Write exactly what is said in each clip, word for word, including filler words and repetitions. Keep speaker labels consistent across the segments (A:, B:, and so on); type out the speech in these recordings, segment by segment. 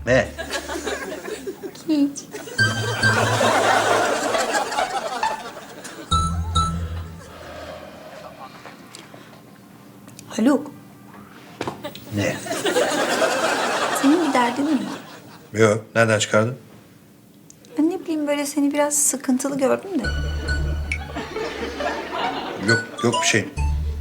A: Ne?
B: Hiç. Haluk,
A: Ne?
B: senin bir derdin mi var?
A: Yok. Nereden çıkardın?
B: Ben ne bileyim böyle seni biraz sıkıntılı gördüm de.
A: Yok. Yok bir şey.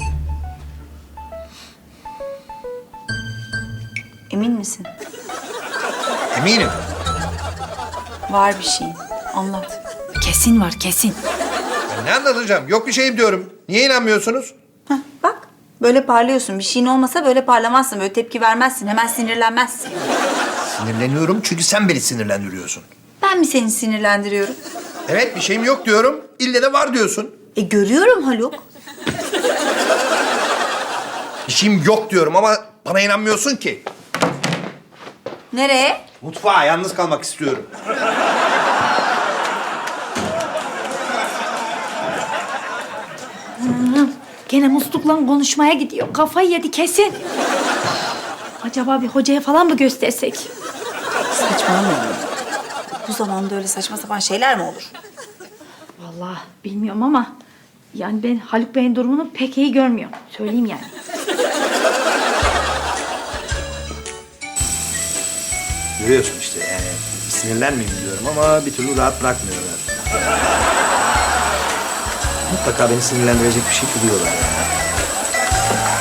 B: Emin misin?
A: Eminim.
B: Var bir şey. Anlat. Kesin var, kesin.
A: Ya ne anlatacağım? Yok bir şeyim diyorum. Niye inanmıyorsunuz?
B: Heh, bak, böyle parlıyorsun. Bir şeyin olmasa böyle parlamazsın, böyle tepki vermezsin, hemen sinirlenmezsin.
A: Sinirleniyorum çünkü sen beni sinirlendiriyorsun.
B: Ben mi seni sinirlendiriyorum?
A: Evet bir şeyim yok diyorum. İlle de var diyorsun.
B: E görüyorum Haluk.
A: Bir şeyim yok diyorum ama bana inanmıyorsun ki.
B: Nereye?
A: Mutfağa yalnız kalmak istiyorum.
C: Gene muslukla konuşmaya gidiyor. Kafayı yedi kesin. Acaba bir hocaya falan mı göstersek?
B: Saçmalama. Bu zamanda öyle saçma sapan şeyler mi olur?
C: Vallahi bilmiyorum ama yani ben Haluk Bey'in durumunu pek iyi görmüyorum. Söyleyeyim yani.
A: Görüyorsun işte yani sinirlenmeyeyim diyorum ama bir türlü rahat bırakmıyorlar. Mutlaka beni sinirlendirecek bir şey buluyorlar yani.